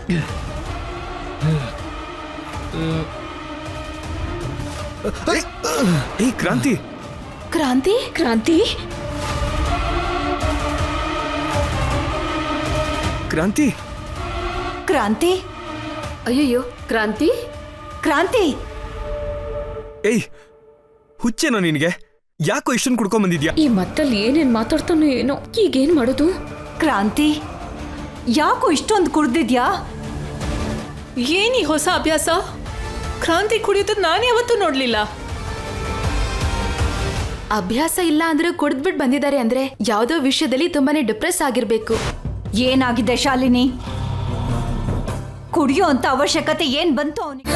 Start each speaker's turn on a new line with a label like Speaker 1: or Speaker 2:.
Speaker 1: ಕ್ರಾಂತಿ
Speaker 2: ಕ್ರಾಂತಿ ಕ್ರಾಂತಿ
Speaker 1: ಕ್ರಾಂತಿ
Speaker 2: ಕ್ರಾಂತಿ
Speaker 3: ಅಯ್ಯಯ್ಯೋ ಕ್ರಾಂತಿ
Speaker 2: ಕ್ರಾಂತಿ
Speaker 1: ಹುಚ್ಚೇನೋ ನಿನಗೆ? ಯಾಕೋ ಇಷ್ಟೊಂದು ಕುಡ್ಕೊಂಡ್ ಬಂದಿದ್ಯಾ?
Speaker 3: ಈ ಮತ್ತಲ್ಲಿ ಏನೇನ್ ಮಾತಾಡ್ತಾನೋ ಏನೋ. ಈಗೇನ್ ಮಾಡೋದು?
Speaker 2: ಕ್ರಾಂತಿ ಯಾಕೋ ಇಷ್ಟೊಂದು ಕುಡ್ದಿದ್ಯಾ?
Speaker 4: ಏನಿ ಹೊಸ ಅಭ್ಯಾಸ? ಕ್ರಾಂತಿ ಕುಡಿಯೋದು ನಾನು ಯಾವತ್ತೂ ನೋಡ್ಲಿಲ್ಲ.
Speaker 3: ಅಭ್ಯಾಸ ಇಲ್ಲ ಅಂದ್ರೆ ಕುಡಿದ್ಬಿಟ್ಟು ಬಂದಿದ್ದಾರೆ ಅಂದ್ರೆ ಯಾವ್ದೋ ವಿಷಯದಲ್ಲಿ ತುಂಬಾನೇ ಡಿಪ್ರೆಸ್ ಆಗಿರ್ಬೇಕು.
Speaker 2: ಏನಾಗಿದೆ ಶಾಲಿನಿ? ಕುಡಿಯೋ ಅಂತ ಅವಶ್ಯಕತೆ ಏನ್ ಬಂತು ಅವನಿಗೆ?